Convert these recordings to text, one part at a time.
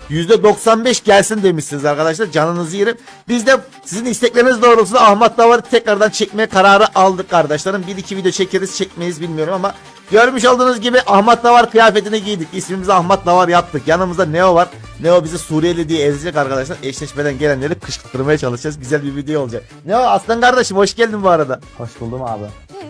%95 gelsin demişsiniz arkadaşlar. Canınızı yerim. Biz de sizin istekleriniz doğrultusunda Ahmet Davar'ı tekrardan çekmeye kararı aldık kardeşlerim. Bir iki video çekeriz çekmeyiz bilmiyorum ama görmüş olduğunuz gibi Ahmet Davar kıyafetini giydik. İsmimizi Ahmet Davar yaptık. Yanımızda Neo var. Neo bizi Suriyeli diye ezecek arkadaşlar. Eşleşmeden gelenleri kışkırtmaya çalışacağız. Güzel bir video olacak. Neo aslan kardeşim hoş geldin bu arada. Hoş buldum abi.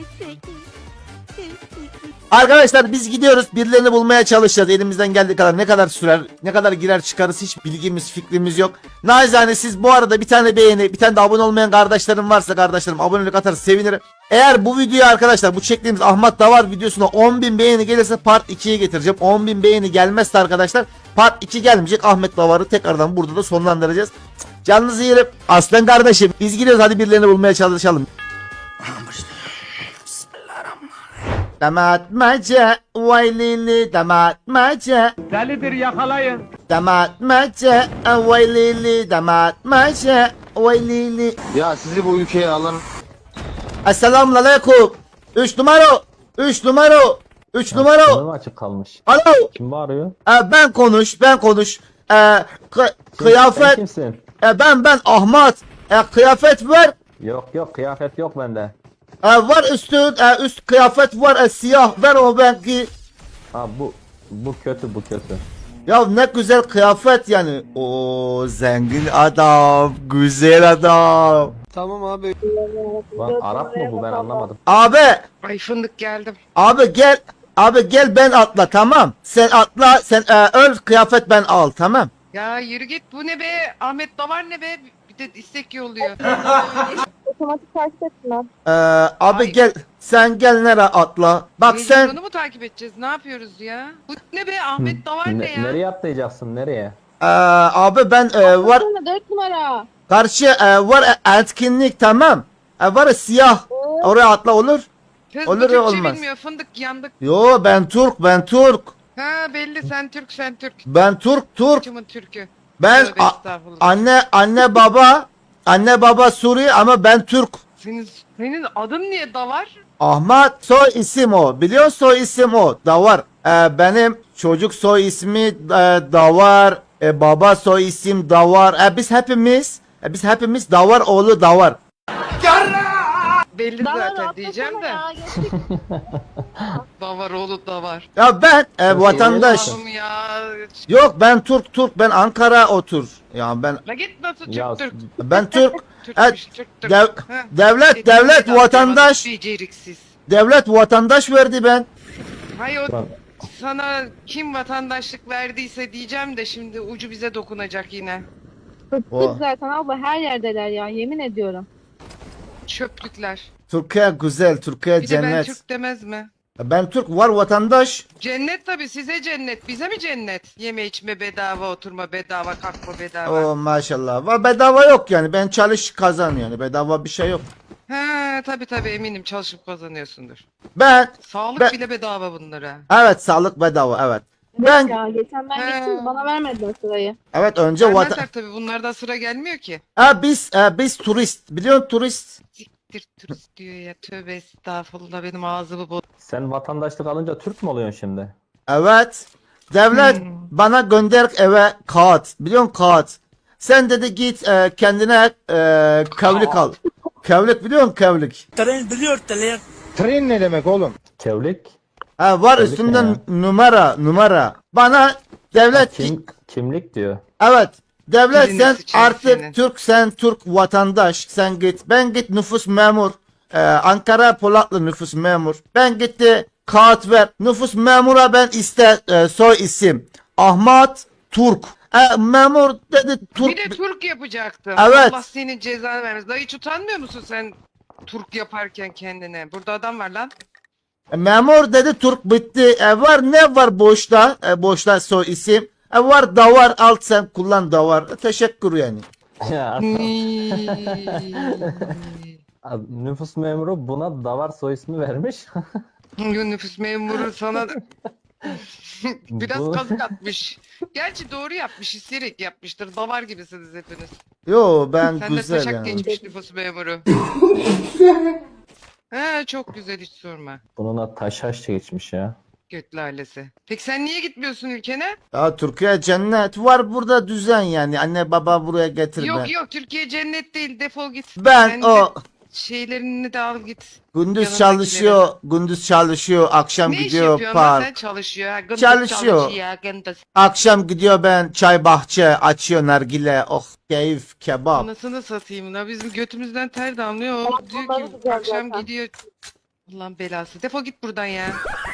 Arkadaşlar biz gidiyoruz. Birilerini bulmaya çalışacağız. Elimizden geldiği kadar ne kadar sürer, ne kadar girer çıkarız hiç bilgimiz, fikrimiz yok. Naizane siz bu arada bir tane beğeni, bir tane de abone olmayan kardeşlerim varsa kardeşlerim abonelik atarsa sevinirim. Eğer bu videoya arkadaşlar bu çektiğimiz Ahmet Davar videosuna 10.000 beğeni gelirse part 2'ye getireceğim. 10.000 beğeni gelmezse arkadaşlar part 2 gelmeyecek. Ahmet Davar'ı tekrardan burada da sonlandıracağız. Canınızı yerim. Aslan kardeşim biz gidiyoruz, hadi birilerini bulmaya çalışalım. Damatmaca, vaylili damatmaca. Delidir yakalayın. Damatmaca, vaylili damatmaca, vaylili. Ya sizi bu ülkeye alan Esselamun aleyküm. 3 numara. 3 numara. 3 numara. Sınırım açık kalmış. Alo. Kim bağırıyor? Ben konuş. Sen Kıyafet. kimsin? Ben Ahmet. Kıyafet var. Yok kıyafet yok bende. Var üst kıyafet var siyah. Ver o ben giy. Ha bu kötü bu kötü. Ya ne güzel kıyafet yani. O zengin adam, güzel adam. Lan Arap mı bu, ben anlamadım. Abi, Ay fındık geldim. abi gel. Abi gel ben atla tamam. Sen atla, sen öl kıyafet ben al tamam. Ya yürü git, bu ne be? Ahmet Davar ne be? Bir de istek yolluyor. Otomatik takip ettiler. Abi Ay. gel. Sen gel nereye atla. Bak sen Mecnun'u mu takip edeceğiz? Ne yapıyoruz ya? Bu ne be? Ahmet Davar ne ya? Nereye atlayacaksın, nereye? abi ben var Sonra 4 numara. karşı var etkinlik tamam. Var siyah. Oraya atla olur. Kız Olur bu ya, Türkçe olmaz. bilmiyor, fındık yandık. Yo ben Türk. Ha belli, sen Türk. Ben Türk. Kımın Türk'ü. Ben Tövbe estağfurullah. anne baba Suriye ama ben Türk. Senin adın niye Davar? Ahmet soy isim o. Biliyor soy isim o. Davar. Benim çocuk soy ismi Davar. Baba soy isim Davar. Biz hepimiz Davar oğlu Davar. Belli Daha zaten diyeceğim de. ya geçtik. Davar oğlu Davar. Ya ben vatandaş. Allah'ım ya. Yok ben Türk. Ben Ankara otur. Ya ben La git nasıl Ya, Türk? ben Türk. Türkmüş, Türk. Dev- Ha. devlet vatandaş. Beceriksiz. Devlet vatandaş verdi ben. Hayır o Lan, sana kim vatandaşlık verdiyse diyeceğim de şimdi ucu bize dokunacak yine. O. Bıktık zaten abla, her yerdeler ya, yemin ediyorum. Çöplükler. Türkiye güzel, Türkiye Bir de ben cennet. Türk demez mi? Ben Türk var vatandaş. Cennet tabii, size cennet. Bize mi cennet? Yeme içme bedava, oturma bedava, kalkma bedava. O maşallah. Var bedava yok yani. Ben çalış kazan yani. Bedava bir şey yok. He tabii eminim çalışıp kazanıyorsundur. Ben Sağlık Ben- bile bedava bunlara. evet sağlık bedava evet. Ben Ya geçen ben He. gittim, bana vermediler sırayı. evet önce Vermezler tabii, bunlardan sıra gelmiyor ki. biz turist. Biliyorsun turist. Siktir turist diyor ya, tövbe estağfurullah, benim ağzımı boz. sen vatandaşlık alınca Türk mü oluyorsun şimdi? Evet. Devlet bana gönder eve kağıt. Biliyorsun kağıt. Sen dedi git kendine kevlik al. Kevlik biliyor musun kevlik? tren ne demek oğlum? Kevlik? Var Kevlik üstünde ne ya? numara. Bana devlet Kimlik diyor. evet. Devlet Dilini sen sıçayım artık senin. sen Türk vatandaş. Sen git. Ben git nüfus memur. Ankara Polatlı nüfus memur. Ben gitti kağıt ver. Nüfus memura ben soy isim. Ahmet Türk. Memur dedi Türk. Bir de Türk yapacaktım. Evet. Allah senin cezanı vermesin. Daha hiç utanmıyor musun sen Türk yaparken kendine? Burada adam var lan. Memur dedi Türk bitti. Var ne var boşta? Boşta soy isim. Var davar al sen kullan davar. Teşekkür yani. Ya, nüfus memuru buna Davar soy ismi vermiş. Nüfus memuru sana biraz Bu- kazık atmış. Gerçi doğru yapmış, isteyerek yapmıştır. Davar gibisiniz hepiniz. Yo ben Sen de güzel taşak yani. geçmiş nüfus memuru. He çok güzel, hiç sorma. Bununla taşaş geçmiş ya. Göt lalesi. Peki sen niye gitmiyorsun ülkene? Ya Türkiye cennet var burada düzen yani. Anne baba buraya getir ben. Yok Türkiye cennet değil, defol git. Ben Kendi o şeylerini de al git. gündüz yanındakileri. çalışıyor, gündüz çalışıyor, akşam Ne iş gidiyor yapıyorsun lan park. sen? Çalışıyor. Ha, gındık Çalışıyor. çalışıyor, gındık. Akşam gidiyor ben çay bahçe açıyor nargile. Oh keyif kebap. Anasını satayım la, bizim götümüzden ter damlıyor. O Onları diyor ki güzel akşam zaten. gidiyor. Ulan belası. Defol git buradan ya.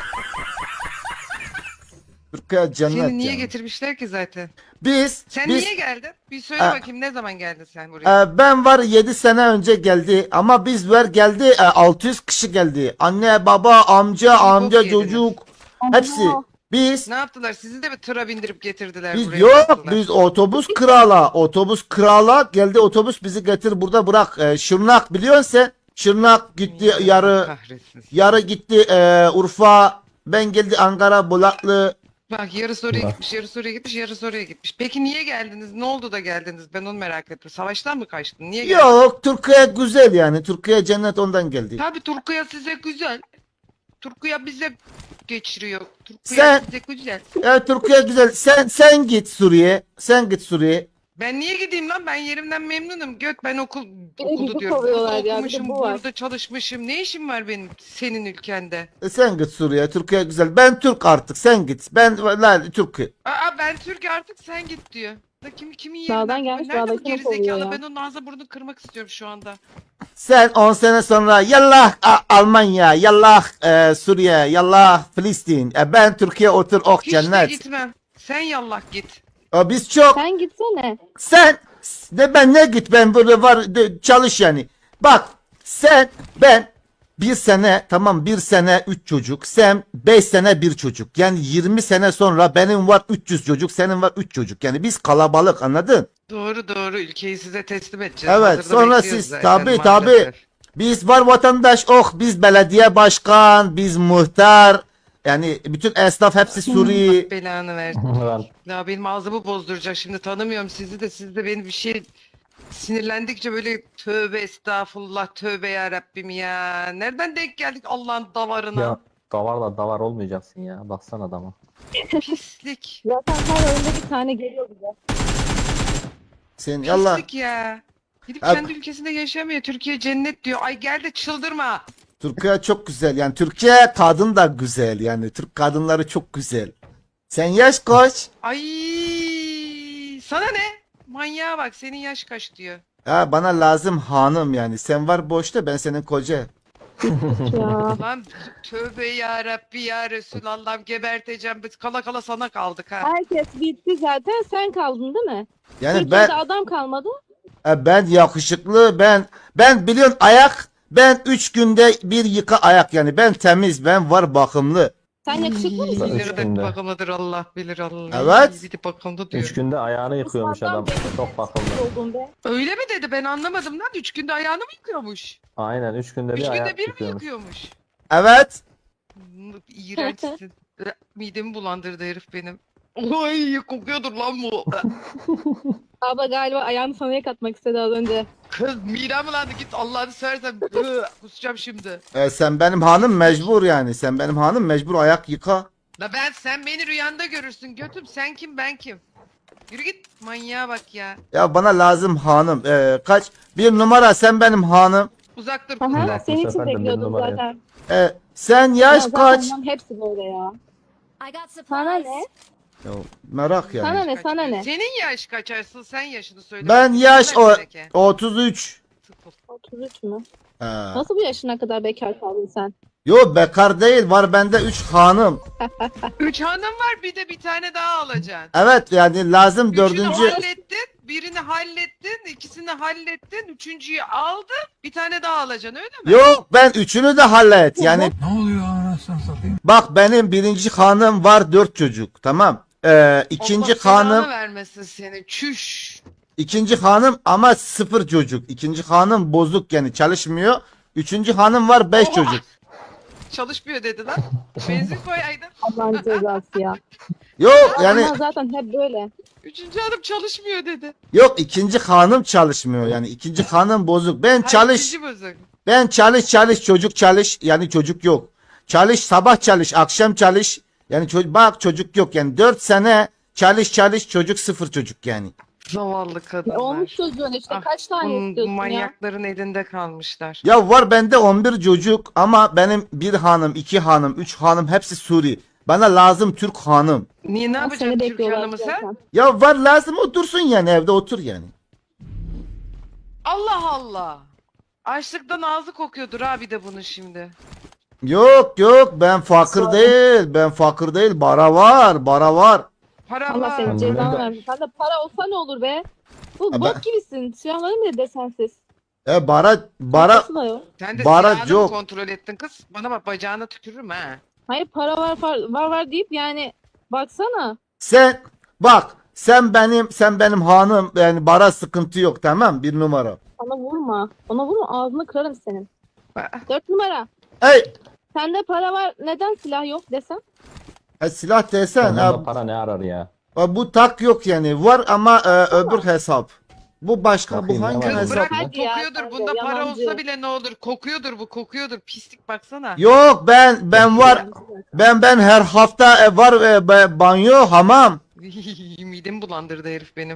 Türkiye cennet Seni niye yani. getirmişler ki zaten? Biz Niye geldin? Bir söyle Aa, bakayım, ne zaman geldin sen buraya? ben var 7 sene önce geldi ama biz var geldi 600 kişi geldi. Anne baba amca bok amca yediniz. çocuk hepsi. Biz Ne yaptılar? Sizi de mi tıra bindirip getirdiler Biz buraya? yok bıraktılar? biz otobüs krala geldi otobüs bizi getir burada bırak. Şırnak biliyorsun sen. Şırnak gitti Allah yarı kahretsin. yarı gitti Urfa, ben geldi Ankara Bulaklı. Bak yarısı oraya Bak. gitmiş, yarısı oraya gitmiş, yarısı oraya gitmiş. Peki niye geldiniz? Ne oldu da geldiniz? Ben onu merak ettim. Savaştan mı kaçtın? Niye geldin? Yok Türkiye güzel yani Türkiye cennet ondan geldi. Tabii Turkuya size güzel. Turkuya bize geçiriyor. Turkuya Sen- size güzel. Türkiye güzel. Sen git Suriye. Sen git Suriye. Ben niye gideyim lan? Ben yerimden memnunum. Göt, ben de okulu bizi diyorum. kovuyorlar Burada ya, bir de okumuşum, bu var. burada çalışmışım. Ne işim var benim senin ülkende? Sen git Suriye. Türkiye güzel. Ben Türk artık. Sen git. Ben la Türkiye. Aa, ben Türk artık, sen git diyor. Da kimin Dağdan yerinden? gelmiş, Nerede bu dağdakini kovuyor gerizekalı? ya. Ben onun ağzına burnunu kırmak istiyorum şu anda. Sen 10 sene sonra yallah Almanya, yallah Suriye, yallah Filistin. Ben Türkiye otur oh Hiç de cennet. gitmem. Sen yallah git. Biz çok Sen gitsene. sen ben ne git ben burada var çalış yani. Bak ben bir sene tamam bir sene 3 çocuk sen 5 sene bir çocuk yani 20 sene sonra benim var 300 çocuk senin var 3 çocuk yani biz kalabalık anladın? Doğru, ülkeyi size teslim edeceğiz. Evet, Hazırda sonra bekliyoruz siz, zaten tabii. maalesef. Biz var vatandaş oh biz belediye başkan biz muhtar yani bütün esnaf hepsi Suriye. Belanı versin. Ben Ya benim ağzımı bozduracak, şimdi tanımıyorum sizi de, siz de beni bir şey sinirlendikçe böyle tövbe estağfurullah, tövbe ya Rabbim ya. Nereden denk geldik Allah'ın davarına? ya davar olmayacaksın ya. Baksana adama. Pislik. Zaten her oyunda bir tane geliyor bize. Sen yallah. Pislik ya. Gidip Abi- kendi ülkesinde yaşamıyor. Türkiye cennet diyor. Ay gel de çıldırma. Türkiye çok güzel yani Türkiye kadın da güzel yani Türk kadınları çok güzel. Sen yaş kaç? Ay sana ne? Manyağa bak, senin yaş kaç diyor. Ha, bana lazım hanım yani sen var boşta ben senin koca. Ya. Lan tövbe ya Rabbi ya Resulallah'ım, geberteceğim. Biz kala kala sana kaldık ha. Herkes bitti zaten. Sen kaldın değil mi? Yani Türkiye'de adam kalmadı. ben yakışıklı ben biliyorsun ben 3 günde bir yıka ayak yani ben temiz ben var bakımlı. Sen yakışıklı mısın? Üç Bilir de günde. bakımlıdır, Allah bilir Allah. Evet. Bir de bakımlı diyor. 3 günde ayağını yıkıyormuş adam. Çok bakımlı. Oldun be. Öyle mi dedi, ben anlamadım lan. 3 günde ayağını mı yıkıyormuş? Aynen 3 günde 3 bir günde ayak bir mi yıkıyormuş. yıkıyormuş? Evet. İğrençsin. Midemi bulandırdı herif benim. Oy kokuyordur lan bu. Abla galiba ayağını sana yıkatmak istedi az önce. Kız midem bulandı, git Allah'ını seversen. Kusacağım şimdi. Sen benim hanım mecbur yani sen benim hanım mecbur ayak yıka. La sen beni rüyanda görürsün götüm, sen kim ben kim? Yürü git, manyağa bak ya. Ya bana lazım hanım. Kaç? Bir numara sen benim hanım. Uzak dur Aha, kızlar. Bak, bu senin için sefer de bir bekliyordum numara zaten. Sen Ya yaş zaten kaç? onların hepsi böyle ya. I got Sana supplies. ne? Ya, merak yani. Sana ne? Sana ne? Senin yaş kaç Arslan, sen yaşını söyle. Ben bakayım. yaş Söyle Meleke. 33. 33 mü? Ha. Nasıl bu yaşına kadar bekar kaldın sen? Yo bekar değil var bende 3 hanım. 3 hanım var, bir de bir tane daha alacaksın. Evet yani lazım Üçünü dördüncü. hallettin, birini hallettin, ikisini hallettin, üçüncüyü aldın, bir tane daha alacaksın öyle mi? Yok ben üçünü de hallet. Yani bak benim birinci hanım var 4 çocuk tamam. İkinci Allah belanı hanım vermesin seni, çüş. ikinci hanım ama 0 çocuk. İkinci hanım bozuk yani çalışmıyor. Üçüncü hanım var 5 Oha! çocuk. Çalışmıyor dedi lan. Benzin koyaydın. Allah'ın cezası ya. Yok yani Ama zaten hep böyle. Üçüncü hanım çalışmıyor dedi. yok ikinci hanım çalışmıyor yani ikinci hanım bozuk. Ben Hayır, çalış ikinci bozuk. ben çalış çocuk çalış yani çocuk yok. Çalış, sabah çalış, akşam çalış. Yani bak çocuk yok yani 4 sene çalış çocuk, sıfır çocuk yani. Zavallı kadınlar. Olmuş çocuğun işte Ah, kaç tane bunun istiyorsun ya? manyakların elinde kalmışlar. Ya var bende 11 çocuk ama benim bir hanım, 2 hanım, 3 hanım hepsi Suri. Bana lazım Türk hanım. Niye ne Seni yapacaksın Türk bekliyorlar hanımı sen? zaten. Ya var lazım otursun yani evde otur yani. Allah Allah. Açlıktan ağzı kokuyordur abi de bunun şimdi. Yok ben fakir Sonra- değil. Ben fakir değil. Bara var. Para Allah var. senin Ben cezanı de- versin. Sen de para olsa ne olur be? Bu Ha, bok ben- gibisin. Silahların bile desensiz. Bara Parası da yok. Sen de Bara silahını mı yok. kontrol ettin kız? Bana bak bacağına tükürürüm ha. Hayır para var deyip yani baksana. sen bak sen benim hanım yani bara sıkıntı yok tamam bir numara. Bana vurma. Ona vurma ağzını kırarım senin. Bak, 4 numara. Ey Sende para var. Neden silah yok desem? silah desen Onda para ne arar ya? bu tak yok yani var ama öbür hesap. Bu başka Bakayım bu ne hangi var kız Hesap bırak mı? bu Hadi ya, kokuyordur. sen de Bunda para yalancı. olsa bile ne olur? Kokuyordur bu kokuyordur. Pislik baksana. Yok ben var ben her hafta var banyo hamam. Midemi bulandırdı herif benim.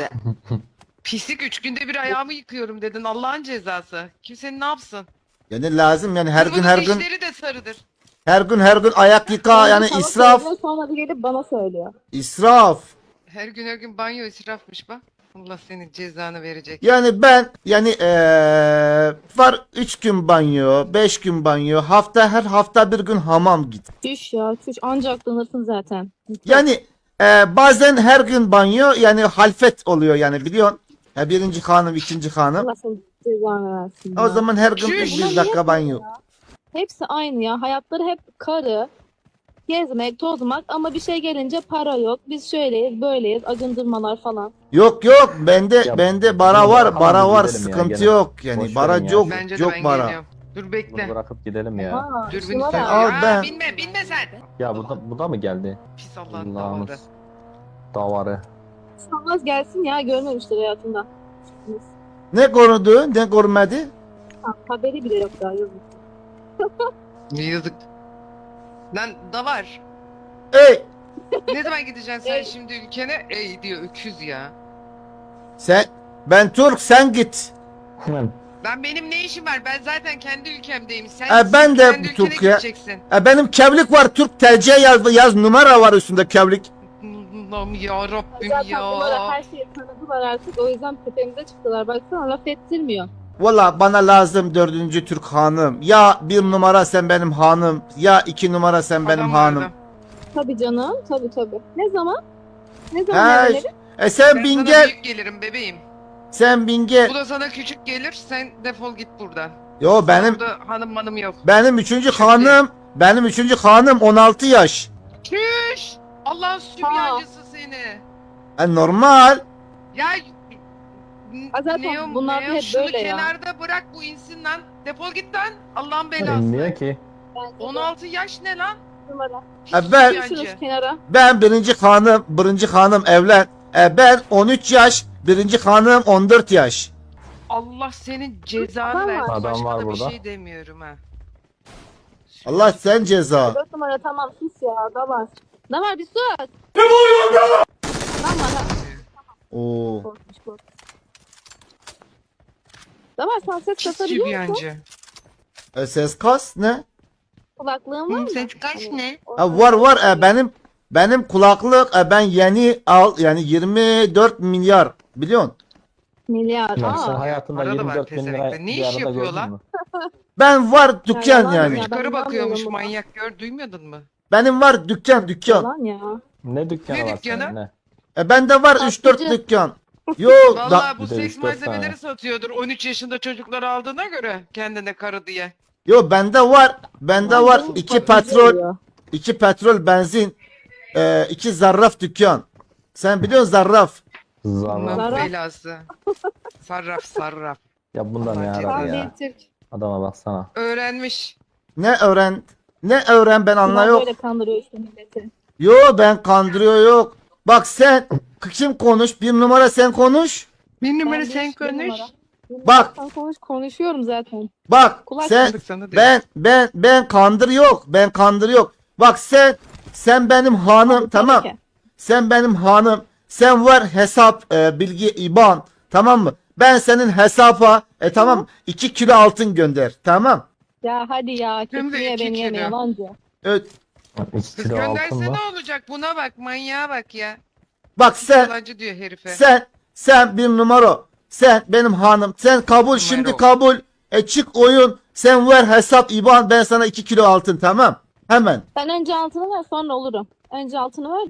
Pislik 3 günde bir ayağımı yıkıyorum dedin. Allah'ın cezası. Kimsenin ne yapsın? Yani lazım yani her Kız gün bunun her gün dişleri de sarıdır. her gün ayak yıka yani Sana israf söylüyor, sonra da gelip bana söylüyor. israf. Her gün banyo israfmış bak. Allah senin cezanı verecek. Yani ben yani var 3 gün banyo, 5 gün banyo, her hafta bir gün hamam git. Çüş ya çüş ancak aklanırsın zaten. Yani bazen her gün banyo yani halfet oluyor yani biliyorsun. Birinci hanım, ikinci hanım. Allah senin cezanı versin O ya. zaman her gün Çüş. bir dakika banyo. Hepsi aynı ya. Hayatları hep karı, gezmek, tozmak ama bir şey gelince para yok. Biz şöyleyiz, böyleyiz, acındırmalar falan. Yok bende Ya, bende bara var, tamam, bara var gidelim ya, sıkıntı gene. yok yani Boş bara verin ya. yok Bence de yok ben bara. geliyorum. Dur Bunu bekle. bırakıp gidelim ya. Aa, Dur şuna beni bak. Al Aa, ben. binme sen. Ya bu da mı geldi? Pis Allah'ın Allah'ımız davadı. davarı. Sanmaz gelsin ya, görmemiştir hayatında. Ne konudu, ne görmedi? Haberi bile yok daha yazık. Ne yazık. Lan da var. Ey Ne zaman gideceksin sen Ey. şimdi ülkene? Ey diyor öküz ya. ben Türk sen git. Hemen. Benim ne işim var? Ben zaten kendi ülkemdeyim. Sen Ben de kendi Türk ülkene ya. gideceksin. Benim kevlik var Türk TC yaz numara var üstünde kevlik. Allah'ım ya Rabbim Zaten bunlara ya. her şeyi tanıdılar artık. O yüzden tepemize çıktılar. Baksana laf ettirmiyor. Valla bana lazım dördüncü Türk hanım. Ya bir numara sen benim hanım. Ya 2 numara sen benim Adam hanım. vardı. Tabii canım. Tabii. Ne zaman? Ne zaman He, evlenelim? sen Ben bin sana gel. büyük gelirim bebeğim. Sen bin gel. Bu da sana küçük gelir. Sen defol git buradan. Yo benim Burada hanım manım yok. benim üçüncü hanım 16 yaş. Çüş! Allah'ın sübyancısı seni. Normal. Ya Zaten bunlar da hep şunu böyle ya. kenarda bırak bu insin lan. Defol git lan. Allah'ın belası. Bilmiyor ki. Bence de 16 yaş ne lan? numara. Pis ben- sübyancı. Şurası kenara. Ben birinci hanım evlen. Ben 13 yaş, birinci hanım 14 yaş. Allah senin cezanı Adam versin. var. Adam Başka var da bir burada. şey demiyorum ha. Allah sen ceza. 4 numara tamam sus ya. Da var bir sus. Ne oluyor orada? Tamam ha. Oo. Korkmuş. Da var sen ses Pis kasabiliyor musun? sübyancı. Ses kas ne? Kulaklığın var mı? Ses kaç ne? Var benim kulaklık ben yeni yani 24 milyar biliyorsun. Milyar. Ya sen Aa. hayatında Para da var 24 bin lira pezevenkte. Ne bir iş arada yapıyor gördün lan? mü? Ben var dükkan yalan yani. ya. Yukarı Ben bakıyormuş inanmıyorum buna. manyak gör duymadın mı? Benim var dükkan. Yalan ya. Ne dükkanı Ne var dükkanı? senin ne? Bende var 3-4 Tatlıcı. dükkan. Yo da, Vallahi bu Bir de seks 3-4 tane. malzemeleri satıyordur 13 yaşında çocuklar aldığına göre kendine karı diye. yo bende var Bakıcı 2 petrol oluyor. 2 petrol benzin 2 zarraf dükkan. Sen biliyorsun zarraf. Zarra. Allah'ın Zarraf. belası. Sarraf. Ya bundan ne Allah arar Tam ya? bir Türk. Adama baksana. Öğrenmiş. Ne öğren ben Bunlar anla yok. böyle kandırıyor işte milleti. Yo ben kandırıyor yok. Bak sen kim konuş? Bir numara sen konuş. Bir numara Ben sen bir konuş. numara. Bak. Konuşuyorum zaten. Bak Kulak sen tıkandık sana diyor. ben kandır yok. Ben kandır yok. Bak sen benim hanım, Tabii tamam. ki. Sen benim hanım. Sen var hesap bilgi IBAN, tamam mı? Ben senin hesaba tamam 2 kilo altın gönder, tamam. Ya hadi ya. Hem de Kesmeye 2 beni yeme kilo. yalancı. Evet. 2 Kız kilo gönderse altın ne mı? olacak? Buna bak, manyağa bak ya. Bak Yalancı diyor herife. sen bir numara. Sen benim hanım. Sen kabul şimdi kabul. Çık oyun. Sen ver hesap IBAN, ben sana 2 kilo altın, tamam. Hemen. Sen önce altını ver sonra olurum. Önce altını ver.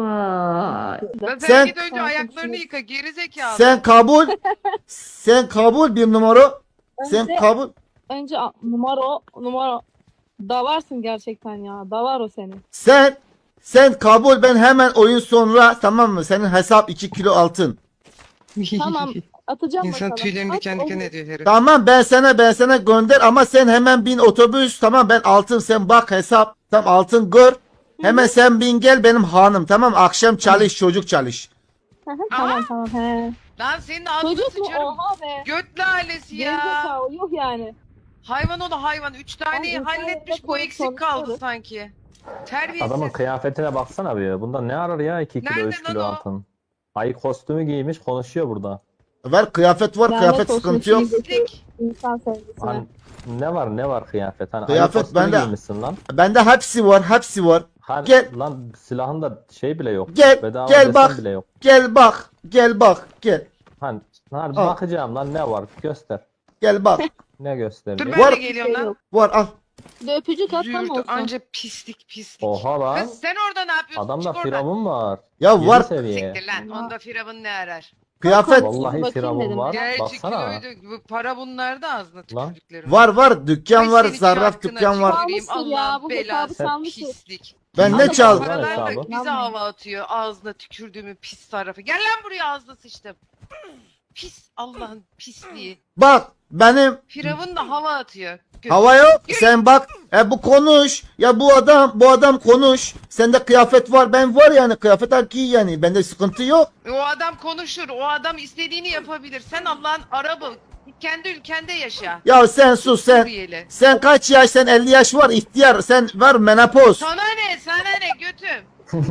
Lan sen, Sen- git önce ayaklarını yıka geri zekalı. Sen kabul. Sen kabul bir numara. Sen Önce- kabul. Önce numara. Davarsın gerçekten ya. Davar o senin. Sen kabul, ben hemen oyun sonra, tamam mı? Senin hesap 2 kilo altın. Tamam. Atacağım İnsan bakalım. tüylerini At, diken olur. diken ediyor herif. Tamam, ben sana gönder ama sen hemen bin otobüs, tamam, ben altın, sen bak hesap, tamam, altın gör. Hemen sen bin gel benim hanım, tamam, akşam çalış, çocuk çalış. Hı hı, tamam tamam. He. Lan senin ağzını Çocuk mu? sıçarım. Oha be. Göt lalesi ya. Gerizekalı yok yani. Hayvan oğlu hayvan. 3 taneyi Ay, halletmiş, insanlarla bu eksik kaldı konuşuyoruz. sanki. Terbiyesiz. Adamın kıyafetine baksana bir. Bunda ne arar ya 2 kilo Nerede 3 lan kilo o? altın. Ayı kostümü giymiş konuşuyor burada. Var kıyafet var, Lanet kıyafet olsun sıkıntı yok. Pislik. İnsan sevgisine. Hani ne var kıyafet? Hani Kıyafet ayı kostümü bende- giymişsin lan. Bende hepsi var. Hani Gel. lan silahında şey bile yok. Gel, Bedava gel desen bak. bile yok. Gel bak, gel. Hani Al. bakacağım lan ne var göster. Gel bak. Ne Dur gösteriyor? ben Var- de geliyorum lan. Yok. Var, al. Bir de öpücük at tam Züğürt olsun. anca pislik. Oha lan. Kız sen orada ne yapıyorsun? Adamda Çık oradan. firavun var. Ya 7 var seviye. Siktir lan. Onda firavun ne arar? kıyafet Vallahi Bakayım firavun dedim var. ya. Gerçi Baksana. kiloydu. Bu para bunlarda ağzına Lan. tükürdüklerim. var, dükkan Ay var, seni zarraf çarkına dükkan var. tüküreyim, Çalmıştır ya, Allah'ın bu belası hesabı çalmıştır. pislik. Ben Lan ne da çaldım? paralar- Paralar da hesabı. bize hava atıyor. Ağzına tükürdüğümün pis sarrafı. Gel lan buraya, ağzına sıçtım. Pis Allah'ın pisliği. Bak benim Firavun da hava atıyor. hava yok. Sen bak, bu konuş. Ya bu adam konuş. Sende kıyafet var, ben var yani, kıyafet al giy yani. Bende sıkıntı yok. O adam konuşur. O adam istediğini yapabilir. Sen Allah'ın Arabı. Kendi ülkende yaşa. Ya sen sus sen. Suriyeli. Sen kaç yaş? Sen 50 yaş var, ihtiyar. Sen var menopoz. Sana ne götüm.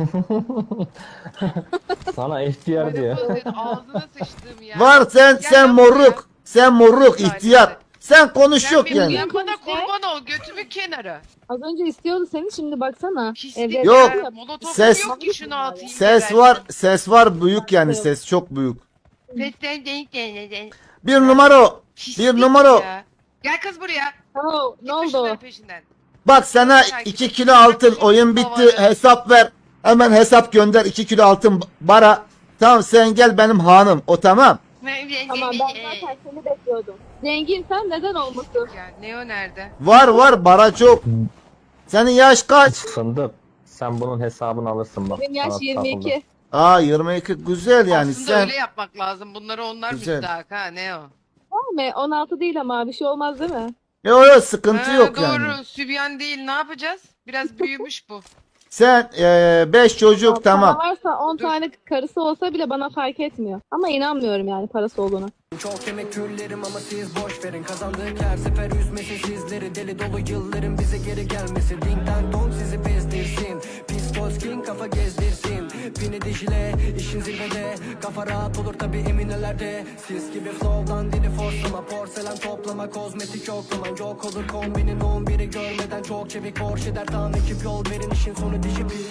Sana ihtiyar diyor. Ağzına sıçtım ya. Var sen Gel sen lan moruk. Sen moruk, Gel ihtiyar. lan. Sen konuş Sen yok benim yani. yanıma kurban ol, götümün kenarı. Az önce istiyordu seni, şimdi baksana. Pislik Evde- Yok. ya. Molotofum Ses- yok ki şunu atayım. Ses var büyük yani, ses çok büyük. Sesten denk. Bir numara. Pislik Bir numara. ya. Gel kız buraya. Oh, Git ne oldu? şunların peşinden. Bak sana 2 kilo altın, oyun bitti, hesap ver. Hemen hesap gönder, 2 kilo altın bara. Tamam, sen gel benim hanım, o tamam. Tamam, ben zaten seni bekliyordum. Zenginsen neden olmasın? Ya Neo nerede? Var bara çok. Senin yaş kaç? Fındık. Sen bunun hesabını alırsın bak. Benim yaş sana 22. Aa 22 güzel yani. Aslında Sen öyle yapmak lazım. Bunları onlar Güzel. müstahak ha Neo. Tamam mı? 16 değil ama bir şey olmaz değil mi? yok sıkıntı Ha, yok doğru. yani. Sübyan değil, ne yapacağız? Biraz büyümüş bu. Sen 5 çocuk tamam. Para varsa 10 Dur. tane karısı olsa bile bana fark etmiyor. Ama inanmıyorum yani parası olduğuna. Çok yemek küllerim ama siz boş verin. Kazandık her sefer üzmesin sizleri. Deli dolu yılların bize geri gelmesi. Dingden dong sizi bezdirsin. Pistol king kafa gezdirsin. Bini dijile işin zirvede. Kafa rahat olur tabi eminelerde. Sis gibi flow'dan dili forslama. Porselen toplama kozmetik yoklama. Yok olur kombinin 11'i görmeden. Çok çevik borç eder tam ekip yol verin. İşin sonu dijipin.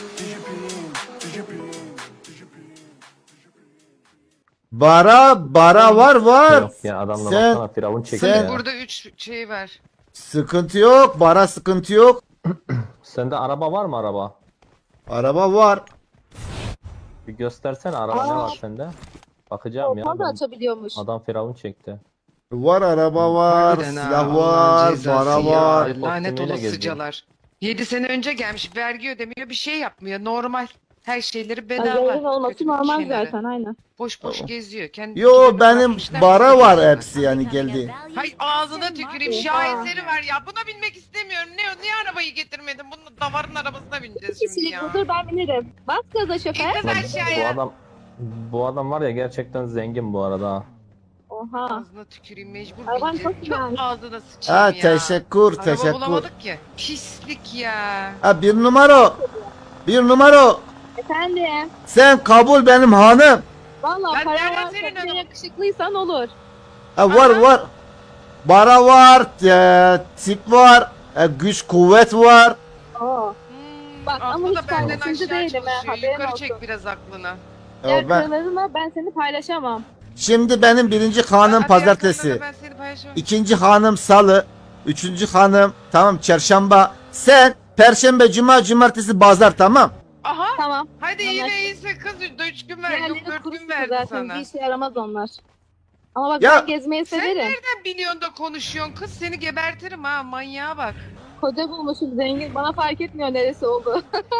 Bara var. Yok ya adamla Sen- baksana firavun çekiyor sen- ya. Burada 3 şey var. Sıkıntı yok, bara sıkıntı yok. Sende araba var mı araba? Araba var. Bir göstersene araba ne Aa. var sende? Bakacağım ya. Ortam da ben- açabiliyormuş. Adam firavun çekti. Var araba var, Harbiden ha, silah Allah'ın var, cezası para ya. var. Lanet Kostümüyle olasıcalar. 7 sene önce gelmiş, vergi ödemiyor, bir şey yapmıyor. Normal. Her şeyleri Ya, bedava. zengin olması Götümün normal kenarı. zaten aynen. Boş geziyor. Kendi Yo kenarına benim bırakmışlar, bara bizi var geziyorlar. hepsi yani geldi. Hay ağzına tüküreyim, Oha. şaheseri var ya. Buna binmek istemiyorum. Niye arabayı getirmedin? Bunun davarın arabasına bineceğiz şimdi Kişilik ya. budur, ben bilirim. Bas gaza şoför. İn kız Lan aşağıya. bu adam var ya gerçekten zengin bu arada. ha. Oha. Ağzına tüküreyim mecbur Araban bineceğim. çok güzelmiş. Ağzına sıçayım Ha ya. teşekkür Araba teşekkür. bulamadık ki. Pislik ya. Ha bir numara. Bir numara. Efendim. Sen kabul benim hanım. Valla Ben para nereden varsa senin bir de hanımın? yakışıklıysan olur. Ha, var Aha. var. Para var. Tip var. Güç kuvvet var. Oo. Bak, ama aklı da hiç benden farkında aşağı değilim ha, çalışıyor. haberin Yukarı olsun. çek biraz aklını. Diğer Ben, karılarımla ben seni paylaşamam. şimdi benim birinci hanım Hadi pazartesi. yakınlarına ben seni paylaşamam. İkinci hanım salı. Üçüncü hanım tamam çarşamba. Sen perşembe, cuma, cumartesi, pazar tamam. Aha. Tamam. Hadi yine Anlaştık. iyiyse kız 3 gün ver. Yok Diğerleri 4 kuru gün sıkı verdi zaten. sana. Bir işe yaramaz onlar. Ama bak Ya, ben gezmeyi Sen severim. nereden biliyorsun da konuşuyorsun kız? Seni gebertirim ha, manyağa bak. Koca bulmuşum zengin. Bana fark etmiyor neresi oldu.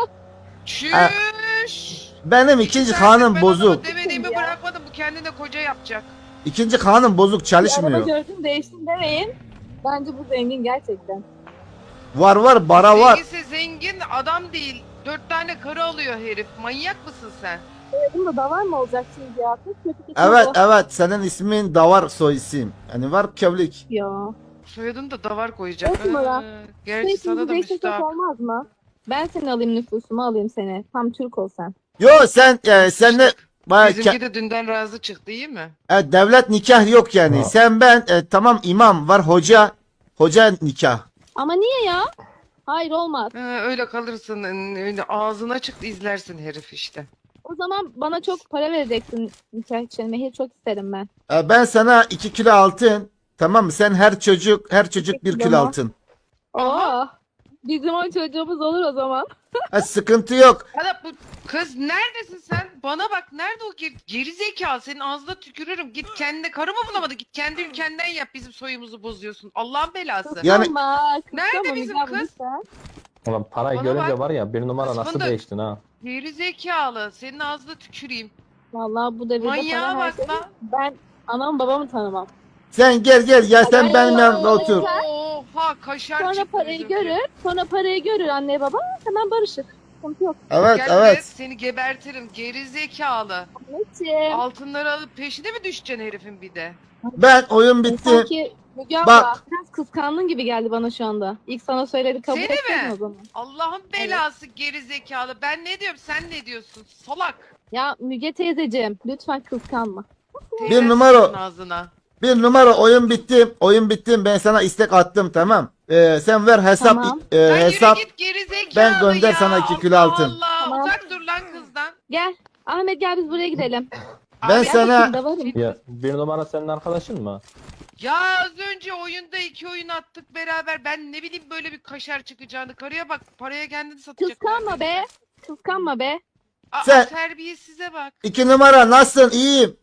Çüş. Benim İki ikinci saattir hanım ben bozuk. adama demediğimi Ya. bırakmadım, bu kendine koca yapacak. İkinci hanım bozuk Bir çalışmıyor. araba gördüm değiştim demeyin. Bence bu zengin gerçekten. Var var bara var. Zenginse zengin adam değil. 4 tane karı alıyor herif. Manyak mısın sen? Bunda da var mı olacak şimdi ya? Kız kötü kötü Evet bu. evet senin ismin Davar soy isim. Yani var kevlik. Ya. Soyadını da davar koyacak. Dört numara. Gerçi Peki sana da değiştirsek müstahak. olmaz mı? Ben seni alayım nüfusumu alayım seni. Tam Türk ol sen. Yo sen de bayağı Bizimki de dünden razı çıktı, iyi mi? devlet nikah yok yani. Ha. Sen ben tamam imam var hoca nikah. Ama niye ya? Hayır olmaz. Öyle kalırsın, öyle ağzına çıktı izlersin herif işte. O zaman bana çok para vereceksin nikah için. Mehir çok isterim ben. Ben sana 2 kilo altın tamam mı? Sen her çocuk 1 kilo kilo mu? altın. Oo. Bizim o çocuğumuz olur o zaman. Sıkıntı yok. Hala bu kız neredesin sen? Bana bak, nerede o geri zekalı? Senin ağzına tükürürüm. Git kendine karı mı bulamadın? Git kendi ülkenden yap, bizim soyumuzu bozuyorsun. Allah'ın belası. Yani- Kıskanma, Nerede kıskanma bizim Müge abla, kız? lütfen. Ulan parayı Bana görünce bak. var ya bir numara Kız nasıl fındık. değiştin ha. Geri zekalı. Senin ağzına tüküreyim. Vallahi bu devirde Manyağa para her bak şey. lan. Ben anam babamı tanımam. Sen gel ya sen benim yanımda otur. Oha, kaşar Sonra çıktı parayı bizimki. görür. Sonra parayı görür anne baba. Hemen barışır. Sıkıntı yok. Evet Gel buraya, evet. seni gebertirim. Geri zekalı. Anneciğim. Altınları alıp peşine mi düşeceksin herifin bir de? Ben oyun bitti. Sanki Müge abla Bak. biraz kıskandın gibi geldi bana şu anda. İlk sana söyledi kabul Seni etseydin mi? o zaman. Allah'ın belası geri zekalı. Ben ne diyorum, sen ne diyorsun? Salak. Ya Müge teyzeciğim lütfen kıskanma. Teyzen numara. sıçsın ağzına. Bir numara oyun bitti. Oyun bitti. Ben sana istek attım tamam. Sen ver hesap Tamam. e, Lan hesap. yürü git geri zekalı ben gönder ya. sana 2 kilo Allah altın. Allah. Tamam. Uzak dur lan kızdan. Gel. Ahmet gel biz buraya gidelim. Ben Abi, sana- Gel bakayım da varım. Ya bir numara senin arkadaşın mı? Ya az önce oyunda 2 oyun attık beraber. Ben ne bileyim böyle bir kaşar çıkacağını. Karıya bak, paraya kendini satacak. Kıskanma be. Kıskanma be. Aa, Sen- terbiyesize bak. 2 numara nasılsın? İyiyim.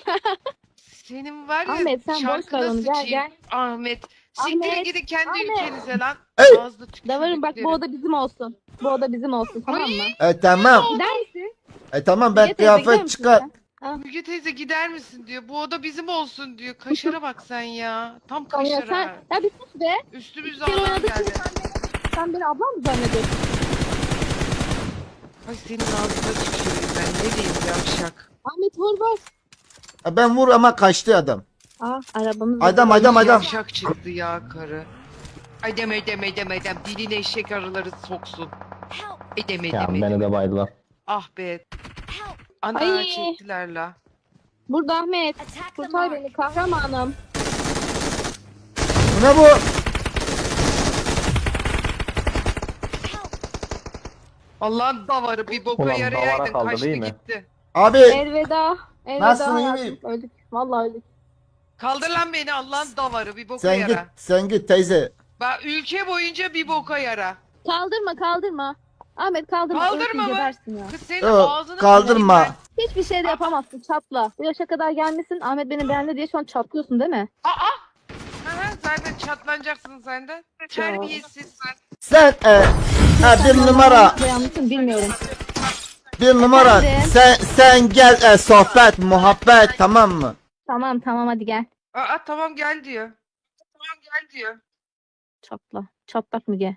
Senin var ya Ahmet, sen boş şarkına ver onu, gel, sıçayım. gel. Ahmet. Siktirin Ahmet, gidin kendi Ahmet. ülkenize lan. Ey! Ağzına Davarım bak bu tükürdüklerim. oda bizim olsun. Bu oda bizim olsun tamam mı? Tamam. Gider misin? Tamam ben Müge teyze, gider kıyafet misin çıkar. sen? Müge teyze gider misin diyor. Bu oda bizim olsun diyor. Kaşara bak sen ya. Tam Tamam ya kaşara. sen. Ya bir sus be. Üstümüze Bir kere adam oynadık geldi. şimdi sen beni ablam mı zannediyorsun? Ay senin ağzına tüküreyim ben. Ne diyeyim yavşak. Ahmet vur vur. Ben vur ama kaçtı adam. Arabamız. Adam. Yavşak çıktı ya karı. Ay deme. Diline eşek arıları soksun. Ya beni de baydılar. Ah be. Ana Ay. çektiler la. Burada Ahmet. Kurtar beni kahramanım. Bu ne bu? Allah'ın davarı bir boka Ulan yarayaydın, davara kaldı, kaçtı değil mi? gitti. Abi Elveda. Elveda Nasılsın, iyi hayatım. miyim? Öldük. Vallahi öldük. Kaldır lan beni, Allah'ın davarı bir boka sen git yara. sen git teyze. Bak ülke boyunca bir boka yara. Kaldırma. Ahmet kaldırma. Kaldırma ölsün, mı? gebersin ya. Kız senin Yok, ağzını kaldırma. sıçayım Hiçbir şey de yapamazsın çatla. Bu yaşa kadar gelmişsin Ahmet beni beğendi diye şu an çatlıyorsun değil mi? ben. Aha, zaten çatlanacaksın sen de. Terbiyesiz. Sen bir numara. Ne yanlışım bilmiyorum. Bir numara. Efendim? Sen gel sohbet muhabbet tamam mı? Tamam hadi gel. Tamam gel diyor. Çatla. Çatlak Müge.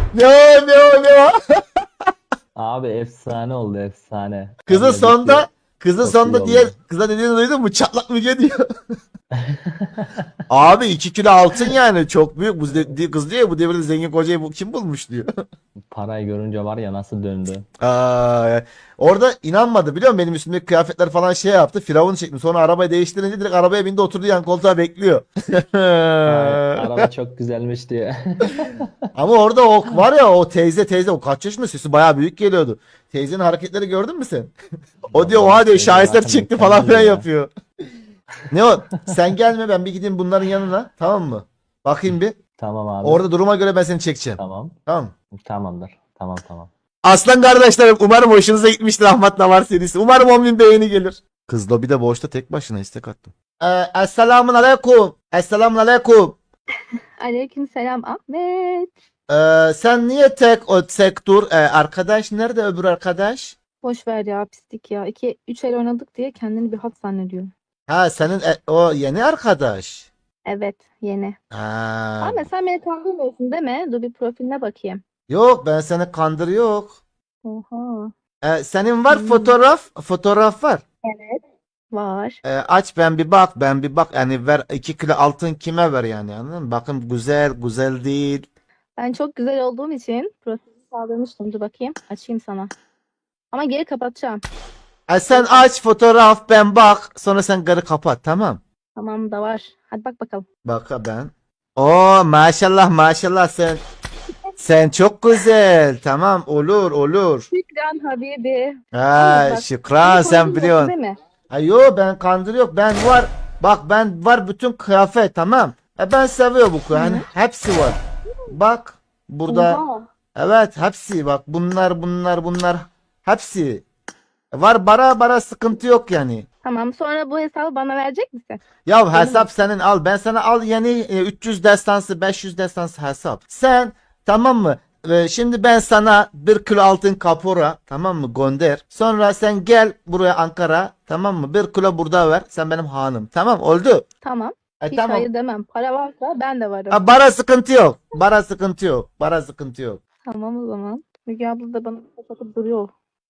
Ne? Abi efsane oldu efsane. Kızı Vallahi sonda Kızın Çok sonunda iyi diye oldu. kıza dediğini duydun mu? Çatlak Müge diyor. Abi 2 kilo altın yani çok büyük. Kız diyor ya, bu devirde zengin kocayı kim bulmuş diyor. Parayı görünce var ya nasıl döndü. Aa, orada inanmadı biliyor musun? Benim üstümdeki kıyafetler falan şey yaptı. Firavun çektim. Sonra arabayı değiştirince direkt arabaya bindi, oturdu yan koltuğa bekliyor. Ay, araba çok güzelmiş diye. Ama orada o var ya, o teyze o kaç yaşında, sesi bayağı büyük geliyordu. Teyzenin hareketleri gördün mü sen? O diyor oha diyor, Teyze şaheser zaten çıktı falan mükemmel filan ya. yapıyor. Ne o? Sen gelme, ben bir gideyim bunların yanına, tamam mı? Bakayım bir. Tamam abi. Orada duruma göre ben seni çekeceğim. Tamam. Tamam mı? Tamamdır. Tamam. Aslan kardeşlerim, umarım hoşunuza gitmiştir Ahmet Navar serisi. Umarım 10.000 beğeni gelir. Kız lobide boşta tek başına istek attım. Esselamun aleyküm. Esselamun aleyküm. Aleykümselam Ahmet. Sen niye tek dur? Arkadaş nerede, öbür arkadaş? Boş ver ya, pislik ya. 2-3 el oynadık diye kendini bir hat zannediyor. Ha senin o yeni arkadaş. Evet, yeni. Ha. Ahmet sen beni kandırmıyorsun değil mi? Dur bir profiline bakayım. Yok, ben seni kandır yok. Oha. Senin var fotoğraf var. Evet. Var. Aç ben bir bak yani ver 2 kilo altın kime ver yani, anladın mı? Bakın güzel değil. Ben çok güzel olduğum için profili sağlamıştım. Dur bakayım. Açayım sana. Ama geri kapatacağım. Sen aç fotoğraf, ben bak, sonra sen geri kapat, tamam. Tamam da var. Hadi bak bakalım. Bak ben. Oo maşallah sen çok güzel, tamam, olur. Şükran Habibi. Ha bak, şükran, Beni sen kandırmıyorsun biliyorsun. değil mi? Ha yo, ben kandırıyor, ben var. Bak ben var bütün kıyafet, tamam. Ben seviyorum bu kıyafet. Hani hepsi var. Bak burada. Oha. Evet hepsi, bak bunlar hepsi. Var, bara sıkıntı yok yani. Tamam, sonra bu hesabı bana verecek misin? Ya hesap senin, al, ben sana al yani 300 destansı 500 destansı hesap. Sen, tamam mı? Şimdi ben sana 1 kilo altın kapora, tamam mı, gönder. Sonra sen gel buraya Ankara, tamam mı? 1 kilo burada ver. Sen benim hanım. Tamam oldu. Tamam. Hiç Tamam. hayır demem. Para varsa ben de varım. Ha, bara sıkıntı yok. Bara sıkıntı yok. Tamam o zaman. Müge abla da bana kapatıp duruyor.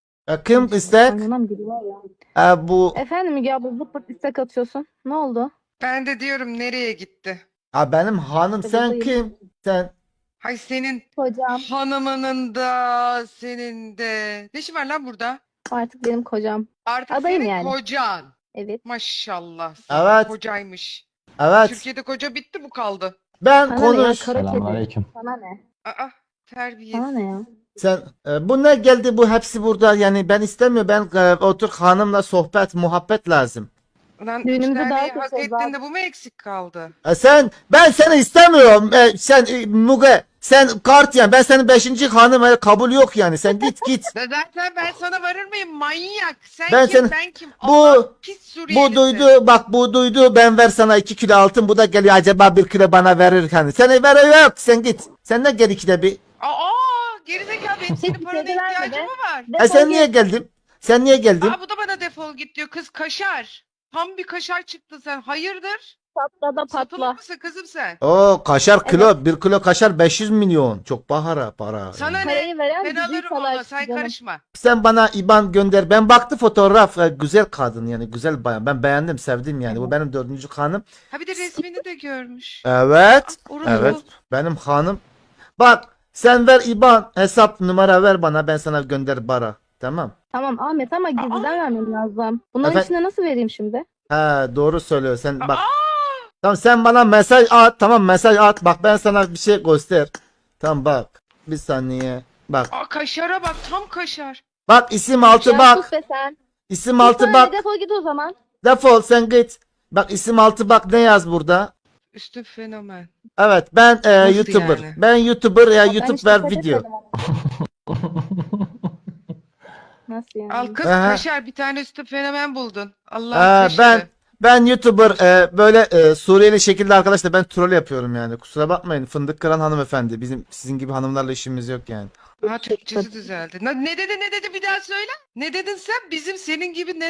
Kim istek? Anlamam gibi var ya. Bu Efendim Müge abla zıp pırt istek atıyorsun. Ne oldu? Ben de diyorum nereye gitti? benim hanım, sen Buradayım. kim? Sen. Hay senin Kocam. hanımının da senin de. Ne işin var lan burada? Artık benim kocam. Artık Adayım senin yani. kocan. Evet. Maşallah. Evet. Kocaymış. Evet. Türkiye'de koca bitti, bu kaldı. Ben Sana ne ya, konuş. kara kedi. Selamünaleyküm. Sana ne? Aa, terbiyesiz. Sana ne ya? Sen bu ne geldi, bu hepsi burada yani, ben istemiyorum, ben otur hanımla sohbet muhabbet lazım. Ulan Düğünümüzde 3 taneyi daha hak çok ettin var. de bu mu eksik kaldı? Ben seni istemiyorum. Sen Muge, sen kart yani, ben senin 5. hanım, kabul yok yani, sen git. Zaten ben sana varır mıyım manyak? Sen Ben kim, seni- ben kim? Bu- Allah pis Suriyelisi. Bu duydu, ben ver sana 2 kilo altın, bu da geliyor acaba 1 kilo bana verir hani. Seni ver yok, sen git. Sen de gel ikide bir. Aa, gerizekalı, benim senin parana Kedi verme ihtiyacım be. mı var? Defol Sen git. niye geldin? Sen niye geldin? Aa, bu da bana defol git diyor. Kız kaşar. Tam bir kaşar çıktı sen. Hayırdır? Patla da patla. Satılık mısın kızım sen? Oo kaşar kilo, 1 kilo kaşar 500 milyon. Çok para. Sana ne? Parayı veren Ben bizi alırım salar onu. Sen canım. karışma. Sen bana IBAN gönder. Ben baktı fotoğraf. Güzel kadın yani, güzel bayan. Ben beğendim, sevdim yani. Bu benim 4. hanım. Ha bir de resmini de görmüş. Evet. Orası Evet. bu. Benim hanım. Bak sen ver IBAN hesap numara ver bana, ben sana gönder bara. Tamam. Tamam Ahmet ama gizliden vermem lazım. Bunların Efendim? içine nasıl vereyim şimdi? He doğru söylüyor. Sen bak. Aa, Tamam sen bana mesaj at. Tamam mesaj at. Bak ben sana bir şey göster. Tamam bak. Bir saniye. Bak. kaşara bak, tam kaşar. Bak isim altı Ya bak. sus be sen. İsim Sus altı sana bak. ne, defol git o zaman. Defol sen git. Bak isim altı bak, ne yaz burada? Üstü fenomen. Evet ben Nasıl YouTuber. yani? Ben YouTuber ya, Ben YouTube hiç ver dikkat video. etmedim ama. Nasıl yani? Al kız Aha. kaşar, bir tane üstü fenomen buldun. Allah Ben YouTuber böyle Suriyeli şekilde arkadaşlar, ben troll yapıyorum yani. Kusura bakmayın fındık kıran hanımefendi. Bizim sizin gibi hanımlarla işimiz yok yani. Ha, Türkçesi düzeldi. Ne dedi bir daha söyle. Ne dedin sen? Bizim senin gibi ne